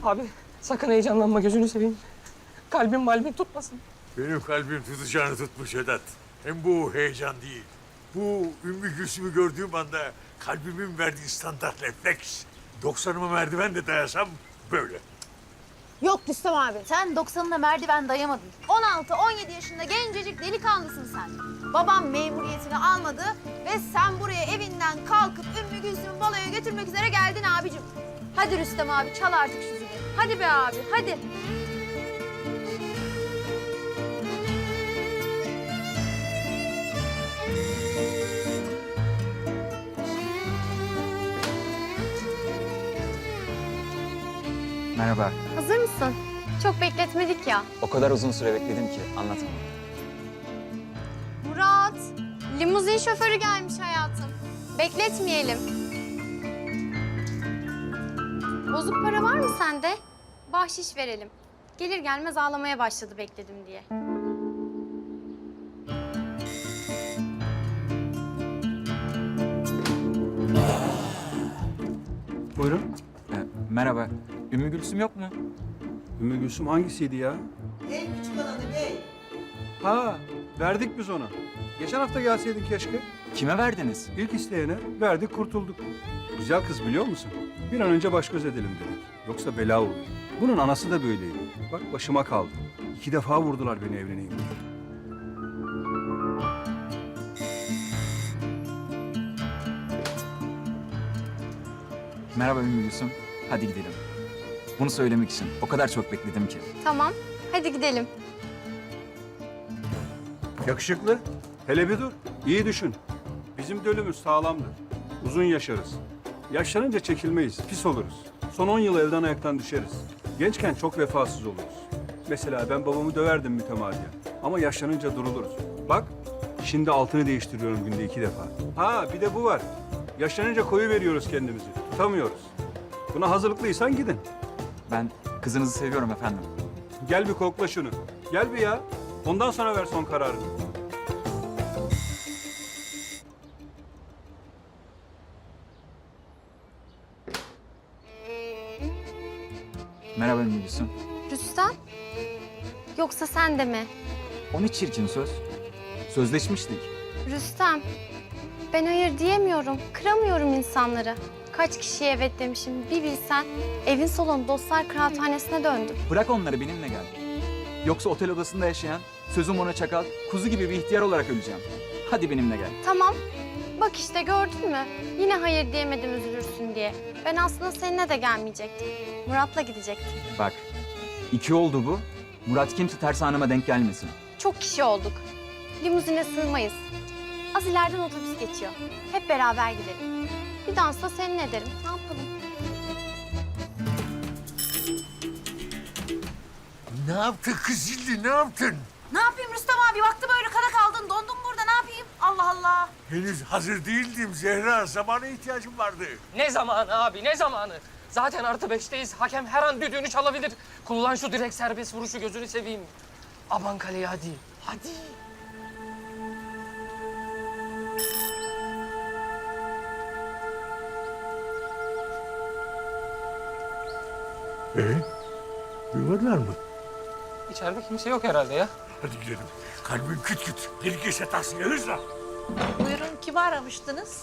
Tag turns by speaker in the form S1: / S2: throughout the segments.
S1: Abi sakın heyecanlanma, gözünü seveyim. Kalbim tutmasın.
S2: Benim kalbim tutacağını tutmuş Vedat. Hem bu heyecan değil. Bu Ümmü Gülsüm'ü gördüğüm anda kalbimin verdiği standart refleks. 90'ıma merdiven de dayasam böyle.
S3: Yok Rüstem abi, sen 90'ına merdiven dayamadın. 16-17 yaşında gencecik delikanlısın sen. Babam memuriyetini almadı ve sen buraya evinden kalkıp Ümmü Gülsüm'ü baloya götürmek üzere geldin abicim. Hadi Rüstem abi, çal artık şu zili. Hadi be abi, hadi.
S4: Merhaba.
S5: Hazır mısın? Çok bekletmedik ya.
S4: O kadar uzun süre bekledim ki anlatamam.
S5: Murat, limuzin şoförü gelmiş hayatım. Bekletmeyelim. Bozuk para var mı sende? Bahşiş verelim. Gelir gelmez ağlamaya başladı bekledim diye.
S6: Buyurun.
S4: Merhaba. Ümmü Gülsüm yok mu?
S6: Ümmü Gülsüm hangisiydi ya?
S7: En küçük olanı bey.
S6: Ha, verdik biz ona. Geçen hafta gelseydin keşke.
S4: Kime verdiniz?
S6: İlk isteyene verdik, kurtulduk. Güzel kız biliyor musun? Bir an önce baş göz edelim dedik. Yoksa bela olur. Bunun anası da böyleydi. Bak başıma kaldı. 2 defa vurdular beni evleneyim diye.
S4: Merhaba Ümmü Gülsüm. Hadi gidelim. Bunu söylemek için o kadar çok bekledim ki.
S5: Tamam, hadi gidelim.
S6: Yakışıklı. Hele bir dur. İyi düşün. Bizim dölümüz sağlamdır. Uzun yaşarız. Yaşlanınca çekilmeyiz, pis oluruz. Son 10 yıl evden ayaktan düşeriz. Gençken çok vefasız oluruz. Mesela ben babamı döverdim mütemadiyen. Ama yaşlanınca duruluruz. Bak, şimdi altını değiştiriyorum günde 2 defa. Ha, bir de bu var. Yaşlanınca koyu veriyoruz kendimizi. Tutamıyoruz. Buna hazırlıklıysan gidin.
S4: Ben kızınızı seviyorum efendim.
S6: Gel bir kokla şunu. Gel bir ya. Ondan sonra ver son kararını.
S4: Merhaba Ümmü Gülsüm.
S5: Rüstem, yoksa sen de mi?
S4: O ne çirkin söz. Sözleşmiştik.
S5: Rüstem, ben hayır diyemiyorum, kıramıyorum insanları. Kaç kişiye evet demişim bir bilsen. Evin salonu dostlar kıraathanesine döndü.
S4: Bırak onları benimle gel. Yoksa otel odasında yaşayan, sözüm ona çakal, kuzu gibi bir ihtiyar olarak öleceğim. Hadi benimle gel.
S5: Tamam, bak işte gördün mü? Yine hayır diyemedim üzülürsün diye. Ben aslında seninle de gelmeyecektim. Murat'la gidecektim.
S4: Bak, 2 oldu bu. Murat kimse tersaneme denk gelmesin.
S5: Çok kişi olduk. Limuzine sığmayız. Az ileriden otobüs geçiyor. Hep beraber gidelim. Bir dans da seninle ederim. Ne yapalım?
S2: Ne yaptın kız Zilli, ne yaptın?
S3: Ne yapayım Rüstem abi? Baktım öyle kala kaldın, dondum burada. Ne yapayım? Allah Allah.
S2: Henüz hazır değildim Zehra. Zamana ihtiyacım vardı.
S1: Ne zamanı abi, ne zamanı? Zaten +5'teyiz. Hakem her an düdüğünü çalabilir. Kullan şu direkt serbest vuruşu, gözünü seveyim. Aman kaleye hadi. Hadi.
S2: Duymadılar mı?
S1: İçeride kimse yok herhalde ya.
S2: Hadi gidelim. Kalbim küt küt. Gerekirse tahsiye hızla.
S7: Buyurun, kimi aramıştınız?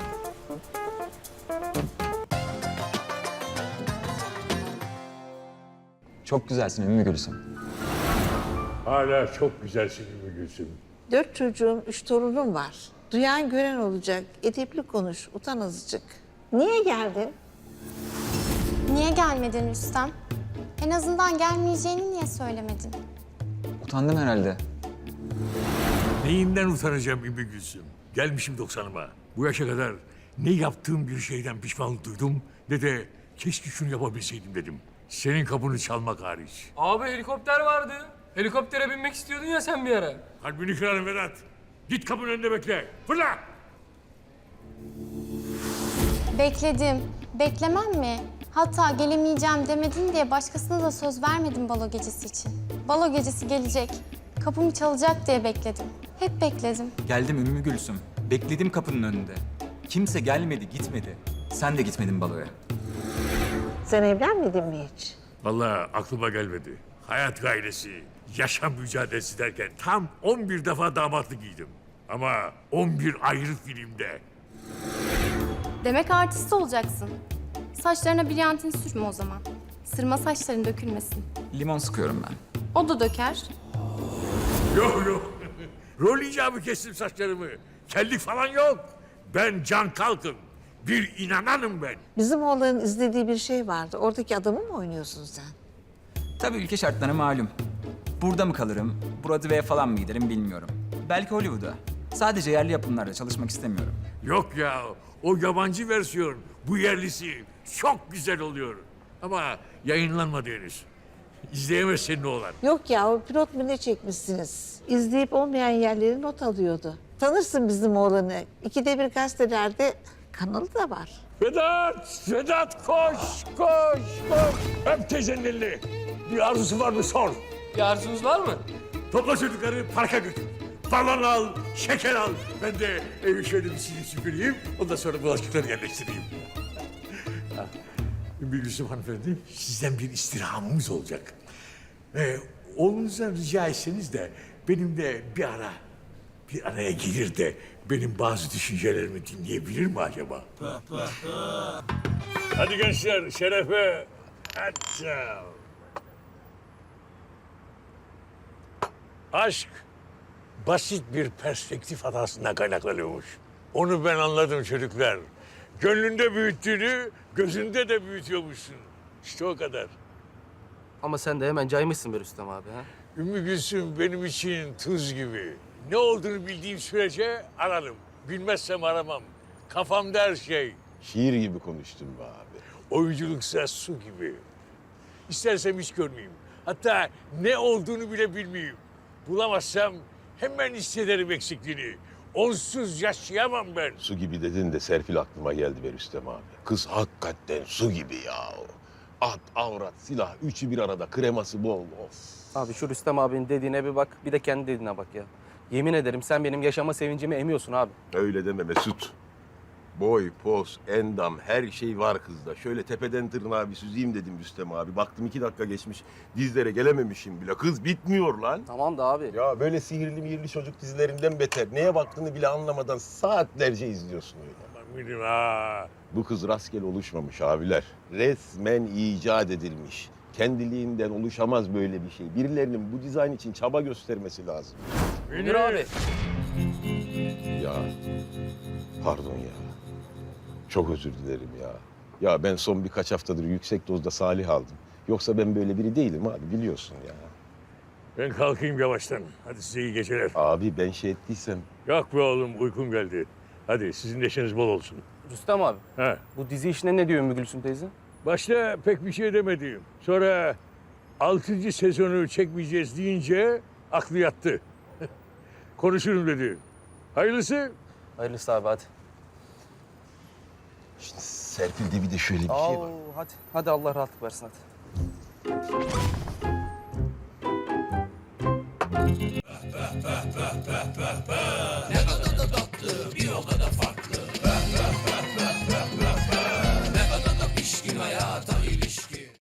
S4: Çok güzelsin Ümmü Gülsüm.
S2: Hala çok güzelsin Ümmü Gülsüm.
S7: 4 çocuğum, 3 torunum var. Duyan gören olacak. Edepli konuş, utan azıcık. Niye geldin?
S5: Niye gelmedin Rüstem? En azından gelmeyeceğini niye söylemedin?
S4: Utandım herhalde.
S2: Neyinden utanacağım Ümmü Gülsüm? Gelmişim 90'ıma. Bu yaşa kadar ne yaptığım bir şeyden pişmanlık duydum ne de keşke şunu yapabilseydim dedim. Senin kapını çalmak hariç.
S1: Abi helikopter vardı. Helikoptere binmek istiyordun ya sen bir ara.
S2: Kalbini kırarım Vedat. Git kapının önünde bekle. Fırla!
S5: Bekledim. Beklemem mi? Hatta gelemeyeceğim demedin diye başkasına da söz vermedim balo gecesi için. Balo gecesi gelecek. Kapımı çalacak diye bekledim. Hep bekledim.
S4: Geldim Ümmü Gülsüm. Bekledim kapının önünde. Kimse gelmedi, gitmedi. Sen de gitmedin baloya.
S7: Sen evlenmedin mi hiç?
S2: Vallahi aklıma gelmedi. Hayat gayresi, yaşam mücadelesi derken tam 11 defa damatlık giydim. Ama 11 ayrı filmde.
S5: Demek artist olacaksın. Saçlarına brilyantin sürme o zaman. Sırma saçların dökülmesin.
S4: Limon sıkıyorum ben.
S5: O da döker.
S2: Yok yok. Rol icabı kestim saçlarımı. Kellik falan yok. Ben Can Kalkın. Bir inananım ben.
S7: Bizim oğlanın izlediği bir şey vardı. Oradaki adamı mı oynuyorsun sen?
S4: Tabii ülke şartları malum. Burada mı kalırım, Broadway'e falan mı giderim bilmiyorum. Belki Hollywood'a. Sadece yerli yapımlarda çalışmak istemiyorum.
S2: Yok ya, o yabancı versiyon, bu yerlisi çok güzel oluyor. Ama yayınlanmadı henüz. İzleyemez senin oğlan.
S7: Yok ya, o pilot mu ne çekmişsiniz? İzleyip olmayan yerleri not alıyordu. Tanırsın bizim oğlanı. 2'de 1 gazetelerde kanalı da var.
S2: Vedat koş, koş, koş. Öp teyzenin elini. Bir arzusu var mı sor.
S1: Bir arzunuz var mı?
S2: Topla çocukları parka götür. Balon al, şeker al. Ben de evi şöyle bir silip süpüreyim. Ondan sonra bulaşıkları yerleştireyim. Bir Gülsüm hanımefendi, sizden bir istirhamımız olacak. Oğlunuzdan rica etseniz de benim de bir araya gelir de benim bazı düşüncelerimi dinleyebilir mi acaba? Hadi gençler, şerefe. Hatta. Aşk basit bir perspektif hatasından kaynaklanıyormuş. Onu ben anladım çocuklar. Gönlünde büyüttüğünü gözünde de büyütüyormuşsun. İşte o kadar.
S1: Ama sen de hemen caymışsın be Rüstem abi ha.
S2: Ümmü Gülsüm benim için tuz gibi. Ne olduğunu bildiğim sürece ararım. Bilmezsem aramam. Kafamda her şey.
S8: Şiir gibi konuştun be abi.
S2: Oyunculuksa su gibi. İstersem hiç görmeyeyim. Hatta ne olduğunu bile bilmeyeyim. Bulamazsam hemen hissederim eksikliğini. Onsuz yaşayamam ben.
S8: Su gibi dedin de Serpil aklıma geldi be Rüstem abi. Kız hakikaten su gibi ya. At, avrat, silah, üçü bir arada, kreması bol. Of.
S9: Abi şu Rüstem abinin dediğine bir bak, bir de kendi dediğine bak ya. Yemin ederim sen benim yaşama sevincimi emiyorsun abi.
S8: Öyle deme Mesut. Boy, poz, endam, her şey var kızda. Şöyle tepeden tırnağa bir süzeyim dedim Rüstem abi. Baktım 2 dakika geçmiş, dizlere gelememişim bile. Kız bitmiyor lan.
S9: Tamam da abi.
S8: Ya böyle sihirli mihirli çocuk dizilerinden beter. Neye baktığını bile anlamadan saatlerce izliyorsun öyle.
S2: Eminim ha.
S8: Bu kız rastgele oluşmamış abiler. Resmen icat edilmiş. Kendiliğinden oluşamaz böyle bir şey. Birilerinin bu dizayn için çaba göstermesi lazım.
S1: Münir abi.
S8: Ya, pardon ya. Çok özür dilerim ya. Ya ben son birkaç haftadır yüksek dozda Salih aldım. Yoksa ben böyle biri değilim abi, biliyorsun ya.
S2: Ben kalkayım yavaştan. Hadi size iyi geceler.
S8: Abi ben şey ettiysem...
S2: Yok be oğlum, uykum geldi. Hadi sizin neşeniz bol olsun.
S9: Rüstem abi,
S2: Ha.
S9: bu dizi işine ne diyor Ümmü Gülsüm teyze?
S2: Başta pek bir şey demedim. Sonra 6. sezonu çekmeyeceğiz deyince aklı yattı. Konuşurum dedi. Hayırlısı.
S9: Hayırlısı abi hadi.
S8: Şimdi Serpil'de bir de şöyle bir şey var.
S9: Hadi, hadi Allah rahatlık versin hadi.